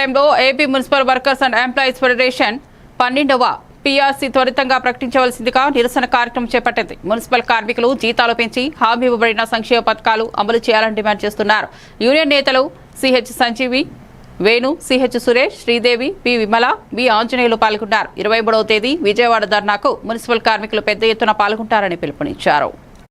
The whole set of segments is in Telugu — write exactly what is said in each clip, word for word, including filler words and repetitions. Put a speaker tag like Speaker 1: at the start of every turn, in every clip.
Speaker 1: టైంలో AP municipal workers and employees federation పన్నెండవ పీఆర్సీ త్వరితంగా ప్రకటించవలసిందిగా నిరసన కార్యక్రమం చేపట్టింది. మున్సిపల్ కార్మికులు జీతాలు పెంచి హామీ ఇవ్వబడిన సంక్షేమ పథకాలు అమలు చేయాలని డిమాండ్ చేస్తున్నారు. యూనియన్ నేతలు CH Sanjeevi, Venu, CH Suresh, Sridevi, P Vimala, B Anjaneyulu పాల్గొన్నారు. ఇరవై మూడవ తేదీ విజయవాడ ధర్నాకు మున్సిపల్ కార్మికులు పెద్ద ఎత్తున పాల్గొంటారని పిలుపునిచ్చారు.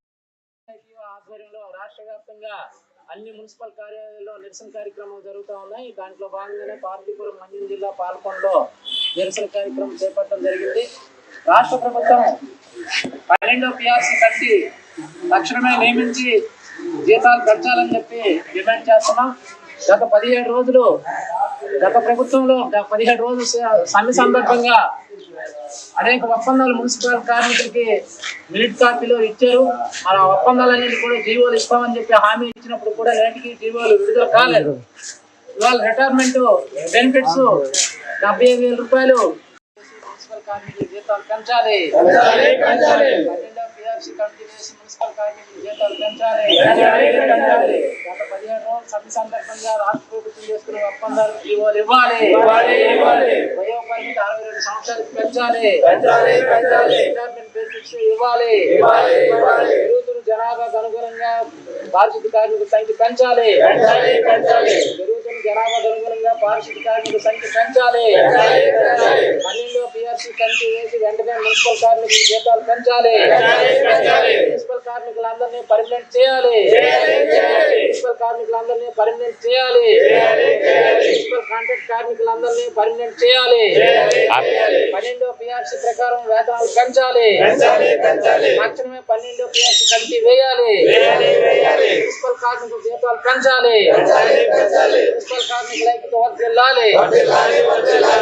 Speaker 2: అన్ని మున్సిపల్ కార్యాలయాల్లో నిరసన కార్యక్రమం జరుగుతూ ఉన్నాయి. దాంట్లో భాగంగానే పార్వతీపురం మండలం జిల్లా పాల్కొండలో నిరసన కార్యక్రమం చేపట్టడం జరిగింది. రాష్ట్ర ప్రభుత్వం పన్నెండో పిఆర్సీ కట్టి తక్షణమే నియమించి జీతాలు పెంచాలని చెప్పి డిమాండ్ చేస్తున్నాం. గత పదిహేడు రోజులు గత ప్రభుత్వంలో పదిహేడు రోజులు సమ్మె సందర్భంగా అనేక ఒప్పందాలు మున్సిపల్ కార్మికులకి మిలిట్ కాపీలో ఇచ్చారు. ఆ ఒప్పందాలన్నింటి కూడా జీవోలు ఇస్తామని చెప్పి హామీ ఇచ్చినప్పుడు కూడా నేటికి జీవోలు విడుదల కాలేదు. ఇవాళ రిటైర్మెంట్ బెనిఫిట్స్ డెబ్బై ఐదు వేల రూపాయలు మున్సిపల్ కార్మికుల జీతాలు పెంచాలి. పిఆర్సీ కమిటీ వేసి మున్సిపల్ కార్మికుల జీతాలు పెంచాలి. గత పదిహేడు రోజులు సమ్మె సందర్భంగా రాష్ట్ర ప్రభుత్వం చేసుకునే ఒప్పందాలు జీవోలు ఇవ్వాలి. వయో పరిమితి అరవై రెండు సంవత్సరాలకు పెంచాలి. రిటైర్మెంట్ బెనిఫిట్స్ ఇవ్వాలి. పెరుగుతున్న జనాభాకు అనుగుణంగా పారిశుద్ధ్య కార్మికుల సంఖ్య పెంచాలి. పెరుగుతున్న జనాభాకు అనుగుణంగా పారిశుద్ధ్య కార్మికుల సంఖ్య పెంచాలి. పన్నెండో పిఆర్సీ కమిటీ వేసి వెంటనే మున్సిపల్ కార్మికుల జీతాలు పెంచాలి. మున్సిపల్ కార్మికులందరినీ పర్మనెంట్ చేయాలి. మున్సిపల్ కార్మికులందరినీ పర్మనెంట్ చేయాలి. మున్సిపల్ కాంట్రాక్ట్ కార్మికులందరినీ పర్మనెంట్ చేయాలి. పన్నెండో పిఆర్సీ ప్రకారం వేతనాలు పెంచాలి. తక్షణమే పన్నెండో పిఆర్సీ కమిటీ వేయాలి. మున్సిపల్ కార్మికుల జీతాలు పెంచాలి. మున్సిపల్ కార్మికుల ఐక్యత వర్ధిల్లాలి.